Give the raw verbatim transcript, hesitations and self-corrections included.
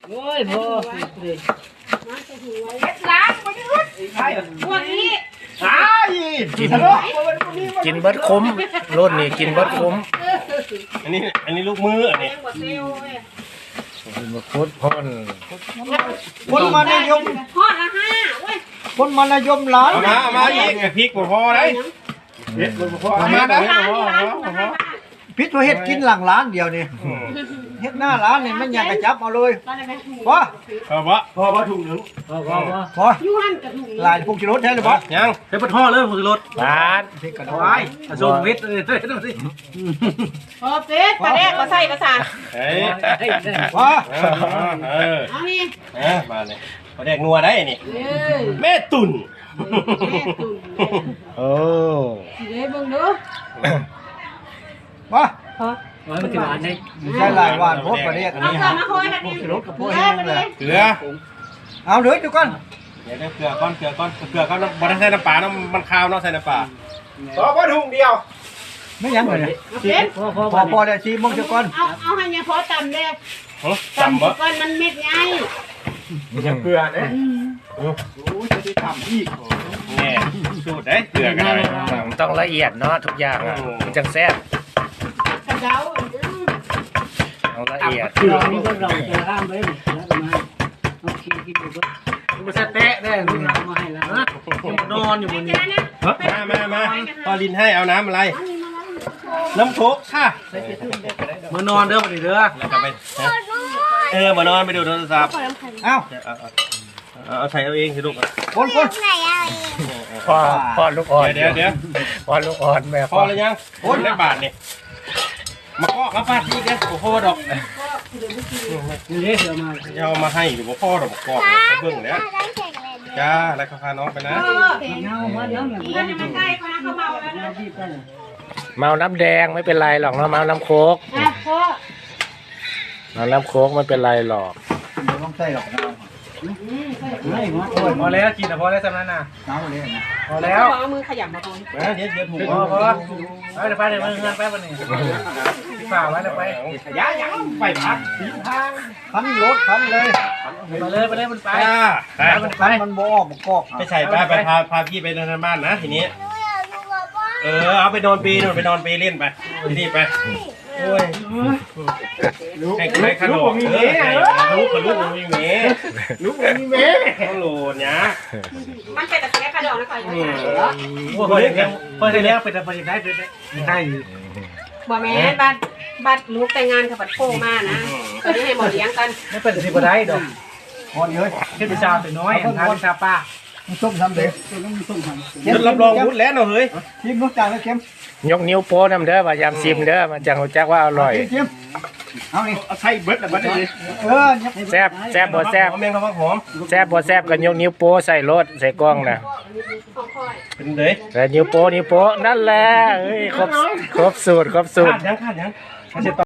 โอ้ยพ่อล้างไปด้วยพวกนี้กินกินเบิดคุ้มรถนี่กินเบิดคุ้มอันนี้อันนี้ลูกมืออันนี้กินเบิดคุ้มพ่นคนมานายมทอดละห้าเว้ยคนมานายมหลานเอามาเอามาอีกพริกบ่พอได้เฮ็ดบ่พอเอามาได้ร้านที่ร้านของร้านพิษว่าเฮ็ดกินหลังร้านเดียวนี่เฮ็ดหน้าร้านนี่มันอยากกระจับเอาเลยพอพอบ่พอบ่ถุงนึงพอพอยูฮันกับถุงลายพวกชิรสแท้เลยปะยังเฮ็ดปะท่อเลยพวกชิรสร้านเฮ็ดกระดอยผสมเวทเลยเด้อสิพอเป็ดปลาแดกมาใส่ภาษาเฮ้ยพอเออเอานี่เออมาเลยบ่แดกนัวได้นี่เอ้ยแม่ตุ่นแม่ตุ่นโอ้สิเลยเบิ่งดูพอพอมันสิหวานได้ใช่ลายหวานพวกประเดกอันเอานี้เกลือฮะมาโคยแบบพวนี้กชิรสกับพเกวลืกอแห้งมาเลเลย ยเกลือเอาเด้อทุกคนเดี๋ยวได้เกลือก้อนเกลือก้อนเกลือก้อนบ่ได้ใส่น้ำปลาน้ำมันคาวเนาะใส่น้ำปลาพอบ่ถุงเดียวไม่ยังเลยเอาเป็ดพอพอพอพอแล้วชีมงเจ้าก่อนเอาเอาให้เนี่ยพอตำเลยฮะตำจำบ่ก่อนมันเม็ดใหญ่ยังเกลือเด้โอ้ยจะได้ทำอีกแน่สูตรได้เกลือกันได้มันต้องละเอียดเนาะทุกอย่างอ่ะมันจังแซ่บกระเดาต้องละเอียดเรานี่ก็เราจะห้ามไว้แล้วก็มาเอาขี้กินอยู่ก็มันจะเตะได้ลูกเรามาให้แล้วนะนอนอยู่บนนี้มามามาพอลินให้เอาน้ำอะไร น้ำโคกค่ะมานอนเด้อมาดิเด้อแล้วก็ไปเออมานอนไปดูโทรศัพท์เอ้าเอาเอาเอาใส่เอาเองสิลูกคนคนพ่อพ่อลูกอ่อนเดี๋ยวเดี๋ยวพ่อลูกอ่อนแม่พอแล้วยังโอนได้บาทนี่มาก็มาฟาดอีกนะโอ้โหดอกนี่เสือมาจะเอามาให้หรือว่าพ่อดอกกอกไปเบิ่งเนี่ยจ้าแล้วก็พาน้องไปนะเออเห็นเงามาเนาะเพื่อนมันใกล้เขานะเขาเมาแล้วนะเมาน้ำแดงไม่เป็นไรหรอกเนาะเมาน้ำโคกอ่ะพ่อเมาน้ำโคกไม่เป็นไรหรอกต้องใส่หรอกนะไม่พอแล้วกินแต่พอแล้วสำนักน่ะน้ำเลยนะพอแล้วเอามือขยำมาตรงนะเดี๋ยวเดี๋ยวถูกพอพอไปเดี๋ยวไปเดี๋ยวมือเงินแป๊บนึงฝ่าไว้แล้วไปยายังไปพักสีทางคันรถคันเลยไปเลยไปเลยมันไปจ้าไปมันไปมันบ่ออกมันกอกไปใส่ไปไปพาพาพี่ไปทางบ้านนะทีนี้ เออเอาไปนอนปีนู่นไปนอนปีเล่นไปทีนี้ไปโอ้ยให้ใครขนมเออลูกกับลูกมีเมย์ลูกมีเมย์ต้องโหลดเนี่ยมันเป็นตะเกียบกระดองนะคอยอืมพอได้แล้วพอได้แล้วเป็นอะไรได้ได้ได้บ่แม่บัดบัดลูกแต่งงานกับบัดโป้มานะตอนนี้ให้หมอเลี้ยงกันไม่เป็นสิบได้ดอกพอเยอะแค่วิชาเป็นน้อยทานวิชาป้าส้มทำเด็กส้มทำรับรองพุทธแล้วเนาะเฮ้ยชิมรสจานแล้วเค็มยกนิ้วโป้น้ำเด้อว่ายามซิมเด้อมันจังรู้จักว่าอร่อยชิมเอานี่เอาใส่เบิร์ดแล้วบัดนี้เออแซ่บแซ่บบ่แซ่บแมงกะพรุนหอมแซ่บบ่แซ่บกันยกนิ้วโป้ใส่รถใส่กล้องนะของคอยเป็นเลยแต่นิ้วโป้นิ้วโป้นั่นแหละเฮ้ยครบครบสูตรครบสูตรขาดยังขาดยัง